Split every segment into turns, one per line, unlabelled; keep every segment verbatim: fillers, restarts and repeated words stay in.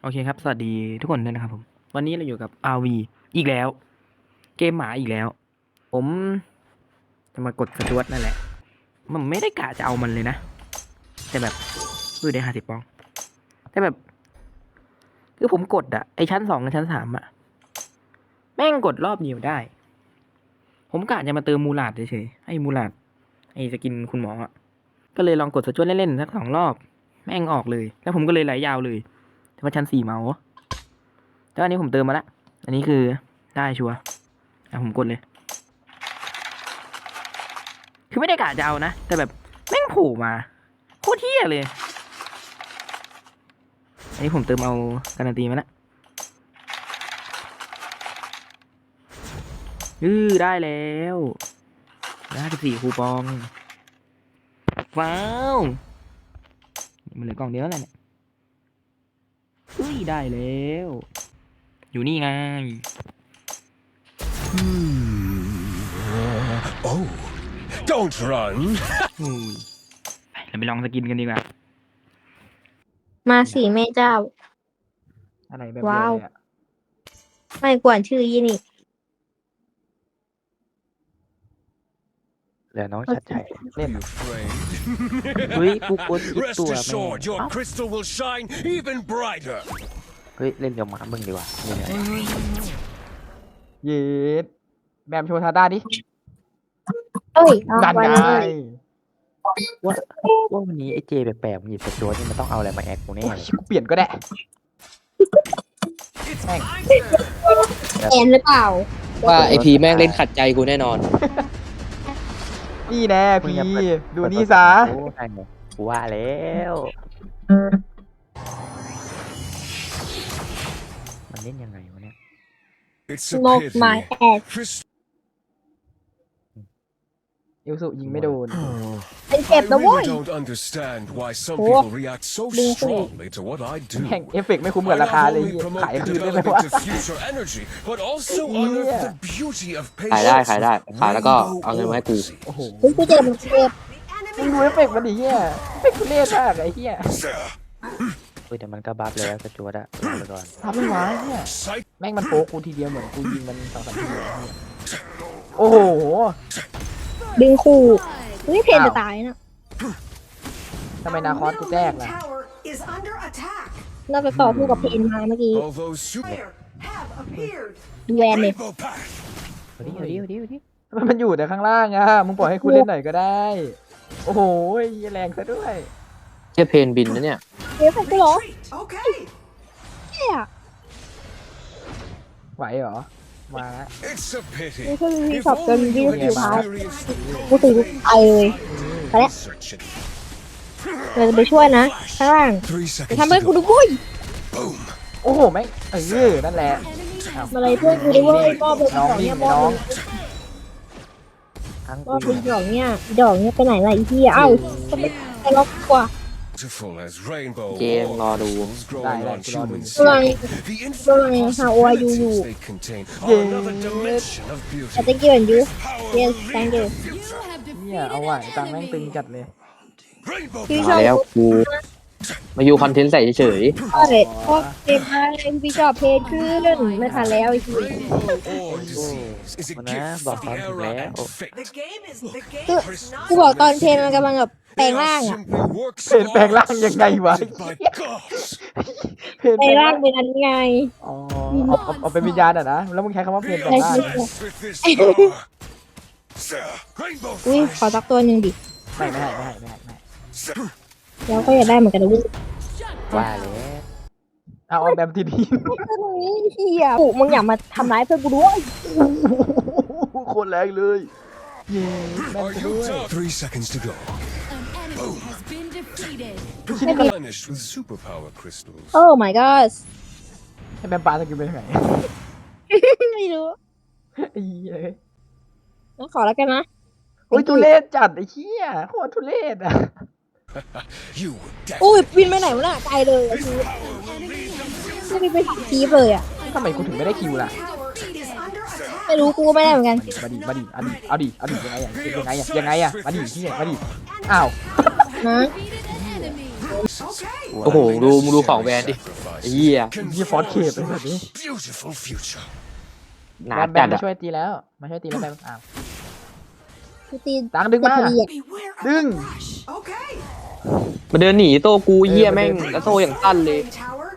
โอเคครับสวัสดีทุกคนด้วยนะครับผมวันนี้เราอยู่กับ อาร์ วี อีกแล้ว เกมหมาอีกแล้ว ผมจะมากดสจวตนั่นแหละมันไม่ได้กะจะเอามันเลยนะแต่แบบดูได้ห้าสิบปองแต่แบบคือผมกดอะไอชั้นสองกับชั้นสามอะแม่งกดรอบเดียวได้ ผมกะจะมาเติมมูลาดเฉยๆให้มูลาดไอสกินคุณหมออะก็เลยลองกดสจวตเล่นๆสักสองรอบแม่งออกเลยแล้วผมก็เลยไหลยาวเลยแต่ว่าชั้นสี่เมาส์แล้วอันนี้ผมเติมมาละ อันนี้คือได้ชัวร์อ่ะผมกดเลย คือไม่ได้กะจะเอานะ แต่แบบแม่งโผล่มาโคตรเที่ยเลย อันนี้ผมเติมเอาการันตีมาละอือได้แล้วได้สิบสี่คูปอง ว้าวมันเหลือกล่องเดียวแล้วเนี่ยอุ้ยได้แล้ว อยู่นี่ไง
Oh, don't run.
อุ้ยไปเราไปลองสกินกันดีกว่า
มาสิแม่เจ้า
อะไรแบบ
ว้าว
เดียวเลยอะ
ไม่กวนชื่อยี่นี่
เหลือน้องชัดชัย
เล่น
Afraid.
เฮ้ยกูกดคิด
Rest
ตัวแม่
assured, your
เอ้า
crystal will shine even brighter.
เฮ้ย เล่นกับหมามึงดีกว่านี่ไง
เย็ดแบมโชว์ทาด้าดิ
เอ้ยเอา
ดัน
ไว้
ไง
เลย
ว่าว่าวันนี้ไอ้เจแปลกๆมันหยิบสจวตนี่มันต้องเอาอะไรมาแอคกูแน่
โอ้ย
เลย
กูเปลี่ยนก็ได้
It's
Hey.
my turn.
แอนหรือเปล่า
ว่าไอพีแม่งเล่นขัดใจกูแน่นอน
นี่แน่
มึง
พี่
อย่าเปิ
ดู
เปิ
นี่ซะ
โอ้ใช่ไงกูว่าแล้วมันเล่นยังไงวะเนี่ย
It's
โล
a
กไม้
pity.
แอด
Crystal.
เอลสุยิงไม่โดน
เป็น
I
เจ็บนะเว้ย
really don't understand why some
Oh.
people react so
Đừng có
strongly to what I do.
แข่งเอฟเฟกต์ไม่คุ้ม
I
กับรา
not
คาเลย
only promote
ขาย
the
คืนได้ไหม
development
วะ
of future energy, but also
Yeah.
unearth the beauty of
ขายได้
patience.
ขายได้ขายแล้วก็เอาเงินมาให้กู
โอ้โห
เฮ้ยกูเจ็บมันเจ็บ
มึงดูเอฟเฟกต์มันดิเฮียเอฟเฟกต์ทุเรศมากไอ้เฮีย
เฮ้ยแต่มันก็บัฟแล้วสจวตอะเอาไปก่อน
ทำมันวะเฮีย
Psych.
แม่งมันโป๊กกูทีเดียวเหมือนกูยิงมันสองสามทีเลยเฮียโอ้โห
ดึงคู่เฮ้ยเพนจะตายนะ
ทำไมนาคอสกูแตกล่ะ
Tower is under attack.
น่าจะต่อสู้กับเพนมาเมื่อกี้
Although super
Player have appeared.
ดูแวนเลย
rainbow path.
เอาดิเอาดิเอาดิเอาดิ
ทำไมมันอยู่แต่ข้างล่างอะมึงปล่อยให้กูเล่นหน่อยก็ได้ โอ้โหเหี้ยแรงซะด้วย
เชี่ยเพนบินนะเนี่ย
เฮ้ยใส่กูเหรอ
Retreat. Okay.
เฮ้ย
ไหวเหรอ มาละ
It's a
นี่
pity.
คือวี
If
ช็อปจน
only
วี
you
สุดท้าย
experienced the
กูถึงไปเลย ไปแล้ว
research it.
เราจะไปช่วยนะ ข้างล่าง
Three
จะ
seconds
ทำให้
to
กูดู
go.
บุ้ย
Boom.
โอ้โหแม่งเออนั่นแหละ
มาเลยเพื่อนกูดูเว้ยบอเป็น
น้อง
ดอก
นี่
เนี่ยบอ
น้อง
ทั้ง
บอ
กู
เป็นดอกเนี่ยดอกเนี่ยไปไหนล่ะไอ้ที่เอ้าก็ไม่ไปล็อกกว่า
Beautiful as rainbow
เจมรอดู
oracles growing
Đây,
on
đây,
human
đây.
skin.
Đây.
The
Đây,
infinite
how are you?
possibilities they contain
Yeah.
are another dimension of
แต่
beauty.
thank you and you
Power
yes
will
thank
lead
you
the future.
เนี่ยเอาไหวตังค์แม่งตึงจัดเลย
Rainbow
พี่ช
มา
อบ
แล้วกู มาอยู่คอนเทนต์ใส่เฉย
ก็เลยพอเกมมาเล่นพี่ชอบเพจขึ้นไม่ทันแล้วไอ้ที่
Rainbow or disease is a
มันนะ
gift
บอก
of
ตอน
the
ถึง
era
แล้ว
and fate.
The game is the game
คือ
is
กู
not
บอกตอนเพลงมันกำลังแบบแปลง
They
ร่าง
are
อะ
simply works
เพลง
of
แปลงร่าง
art
ยังไงวะ
created by gods.
เพลง
แปลงร่างเป็นอันไง
อ๋อเอาเอาเอาเป็นวิญญาณอ่ะนะ แล้วมึงใช้คำว่าเพลงแปลงร่าง
Blessed with this power. Rainbow
อุ้ยขอ
flash.
สักตัวหนึ่งดิ
ไม่ไม่ให้ไม่ให้ไม่ให้ไม่ให้
แล้วก็อยากได้เหมือนกันนะเว้ย
ว่าแล้ว
เอาเอาแบบทีดี
เฮียกูมึงอย่ามาทำร้ายเพื่อนกูด้วย
โคตรแรงเลยเย้แม่น
Are
ไป
you
ด้วย
tough? Three seconds to go.
An enemy has been defeated.
Replenished with superpower crystals.
โอ้ my god
ให้แบมปลาสกิลไปทางไหน
ไม่รู้
ไอ้เหี้ย
งั้นขอแล้วกันนะ
โอ้ยทุเรศจัดไอ้เหี้ยโคตรทุเรศอ่ะ
You
อุ้ย
definitely.
บินไปไหนวะน่ะไกลเลยอะคือ ไม่ได้ไปถักทีฟเลยอ่ะ
ทำไมกูถึงไม่ได้คิวล่ะ
tower is under attack.
ไม่รู้กูก็ไม่ได้เหมือนกัน
มาดิมาดิเอาดิเอาดิเอาดิยังไงอ่ะยังไงอ่ะยังไงอ่ะมาดิที่มาดิอ้าว
นะ
Defeated an enemy.
Okay.
ๆ โอ้โห ดูมึงดูของแวนดิ
Sacrifice. sacrifices
Yeah.
can
You fought
forge
Cape,
the
isn't it?
most beautiful future.
หนา
แบมแบ
จั
ม
ด
มา
อะ
ช่วยตีแล้ว มาช่วยตีแล้วแบมอ้าว
กูตี
ตังดึงมา
พอดีอะ
Beware of
Đừng.
the brush. Okay.
มาเดินหนีโต้กูเหี้ย
เออ
แม่ง
มาเดิน
แล้วโต้อย่างสั้นเลย
Tower.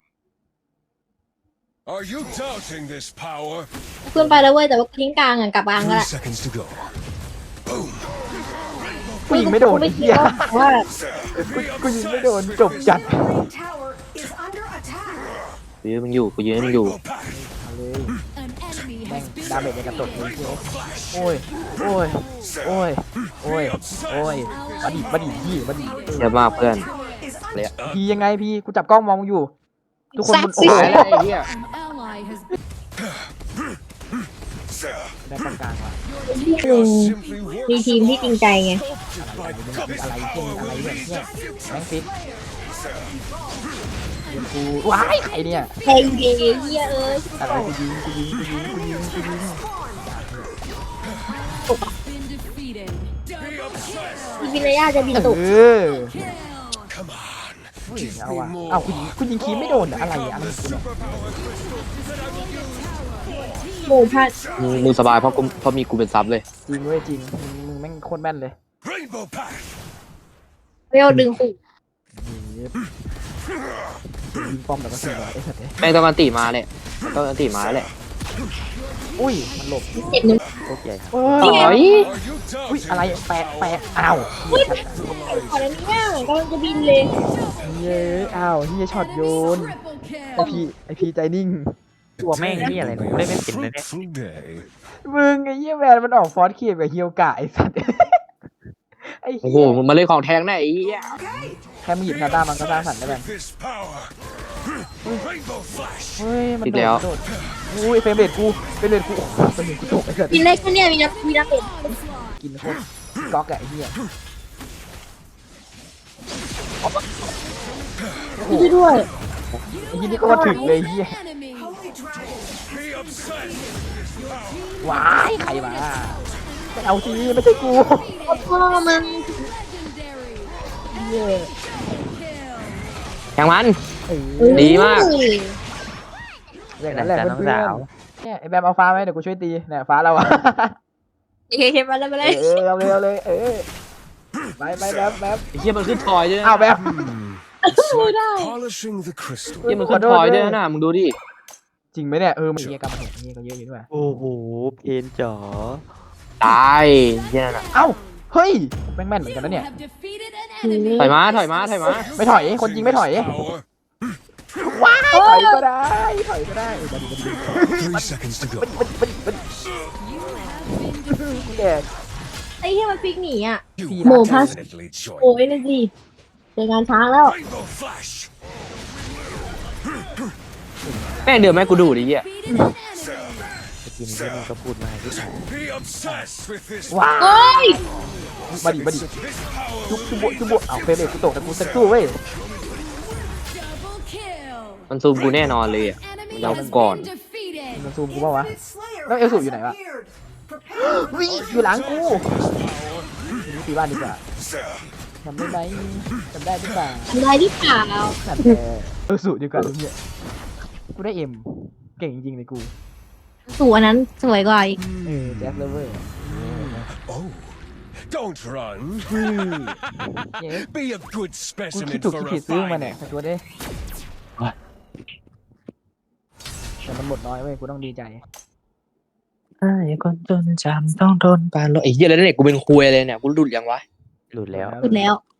Are you doubting this power?
ขึ้นไปแล้วเว้ยแต่ว่าทิ้งกลางอ่ะกลับกลางก็
Three
ได้
seconds to go. Boom.
กูยิงไม่โดน
กู
ไอ้
ไม่
เหี้ย
คิดว่า
Be
กูยิงไม่
obsessed
โดน
with
จบจัด
this
Green tower is under attack.
ยืนมึงอยู่กูยืนมึงอยู่
rainbow path.
เอาเลย
An enemy
แม่ง
has been
ดาเมจในกระตุกเลย
defeated.
โอ้ย โอ้ย โอ้ย โอ้ย โอ้ยมาดิมาดิพี่มาดิ
เยอะมากเพื่อน
Is
เลยอะ
พี่ยังไงพี่ กูจับกล้องมองมึงอยู่ ทุกคนมึง
ซักซี่
โอ้
ตาย
ย
แล้วไอ้เหี้ย
An ally has been
ได้กลางกลางว่ะ
You're simply
มีทีมที่จริงใจไง
อะไรเช่นอะไรเนี่ยเนี่ยแม่งฟิกเดี๋ยวกูว้ายใครเนี่ย
แทงเยเฮียเอ้ย
อะไรกูยิงกูยิงกูยิงกูยิงกูยิง
been defeated. Double
อีพินายาจะบินตก
เออ
kill.
come on.
เฮ้ย
Give
เอา
me
อ่ะ
more.
เอากูยิงกูยิงคีมไม่โดนอะอะไรอะอะไรของกูเนี่ย
หมูพัด
มึงมึงสบายเพราะกูเพราะมีกูเป็นซับเลย
จริงเว้ยจริงมึงมึงแม่งโคตรแม่นเลย
Rainbow path.
เวลดึงขู่
ยิงป้อมแต่ก็เสียไอ้สัตว์เนี่ย
แม่งต้องอันติมาเลยต้องอันติมาแล้วแหละ
อุ้ยมันหลบ
เจ็บหนึ่ง
โคตรใหญ่ครับ
โอ้
ต่
ย
อย
Are you
อุ้ย
doubting
อะไร
this
แปะ
power?
แปะอ้าว
ขอแล้วเนี่ยกำลังจะบินเลย
เย้อ้าวเฮียช็อตโยน
Triple
ไอ
kill.
พีไอพีใจนิ่ง
ตัวแม่งนี่อะไรเนี่ยเล่นไม่เป็นเลยเนี่ย
Fruitful day.
มึงไอ้เหี้ยแวนมันออกฟอสเคียบกับเฮียวกะไอ้สัตว์ไอ้
โอ้
เหี้
โห
ย
มึงมาเล่นของแทงได้ไอ้เหี้ย
Okay.
แค่มึงหยิบนาตามันก็สร้างสรรค์ได้แบบ
With this power. Rainbow flash.
เฮ้ยมันโดดมันโดดอุ้ยเฟรมเรทกูเฟรมเรทกูโอ้โหเฟรมเรทกูตกไอ้สัตว์
บินได้แค่เนี้ยมีน้ำมีน้ำเป็ด
กินโคตรก๊อกอะไอ้เหี้ย
ช่วยด้วย
ไอ้เหี้ยนี่โคตรถึงเลยไอ้เหี้ย
Enemy.
Holy dragon.
Be obsessed with this power.
ว้ายใครมาไม่เอาสิไม่ใช่กู
พ่อมัน
Legendary.
เหี้ย
แทงมัน
เออ
ดีมาก
อย่างนั้นแหละ
จ้ะ
เพื่
น้อง
อน
สาว
ๆเนี่ยไอ้แบมเอาฟ้าไหมเดี๋ยวกูช่วยตีเนี่ยฟ้าเราอะ
โอเคมาแล้วมา
เอ
เลย
อเอาเลยเอาเลยเออไปไปแบมแบม
ไอ้เหี้ยมันขึ้นทอยด้วยนะ
อ้าวแบม
It's like polishing the crystal.
เหี้ยมันขึ้นทอยด้วยนะมึงดูดิ
จริงไหมเนี่ยเออมันเฮียกลับมาเห็นเฮียก็เยอะอยู่ด้วย
โอ้โหเพนจ๋อ
ตายเหี้ยนั่นน่ะ
เอ้าเฮ้ยแม่งแม่นเหมือนกันนะเนี่ย
Have defeated an enemy.
ถอยมาถอยมาถอยมา
ไม่ถอยคนยิงไม่ถอย
Power.
ว้ายถอยก็ได้ถอยก็ได้เออบัดดี้บัดดี้
Three seconds to go.
บัดดี้บัดดี้บัดดี้
You have been defeated.
แดก
ไอ้เหี้ยมันฟิกหนีอ่ะ
You
Phi
will
Mổ phát.
definitely join
โอ้ยนั่นสิเจองานช้างแล้ว
Rainbow flash.
แม่งเดือดแม่งกูดูดิเหี้ย
Defeated an enemy.
สกินที่มึงก็พูดมาให้ที่ไหน
Be obsessed with this
ว้า
เฮ้ย
บัดดี้บัดดี้
This power
จุ๊บจุ๊บจุ๊บเอาเฟรมเรทกูตกแต่กูเซ็ตสู้เว้ย
Double kill.
มันซูมกูแน่นอนเลยอ่ะ
Enemy
Đâu
has
còn.
been defeated.
มันซูมกูเปล่าวะ
Infinite Slayer
Nó yêu
has
dụ như này bạn.
appeared. Prepare for
วิ่งอยู่หลังกูทีนี้ตีบ้านดีกว่าทำได้ไหมทำได้หรือเปล่า
ทำได้หรือเปล่า
นั่นแหละเออสูตรดีกว่าเนี่ยกูได้เอ็มเก่งจริงๆเลยกู
สู่อันนั้นสวยกว่าอีก
เออแจ็คเลเวอร์
Oh, don't run.
เย้
Be a good
กูคิด
specimen
ถูก
for
คิดผิดซื้อมาเนี่ย
refining.
ไปตัวดิแต่มันหมดน้อยเว้ยกูต้องดีใจ
ไอ้คนจนจำต้องโดนปาโลไอ้เหี้ยแล้วเนี่ยกูเป็นคุยเลยเนี่ยกูหลุดยังวะ
หลุดแล้ว
สุดแล้ว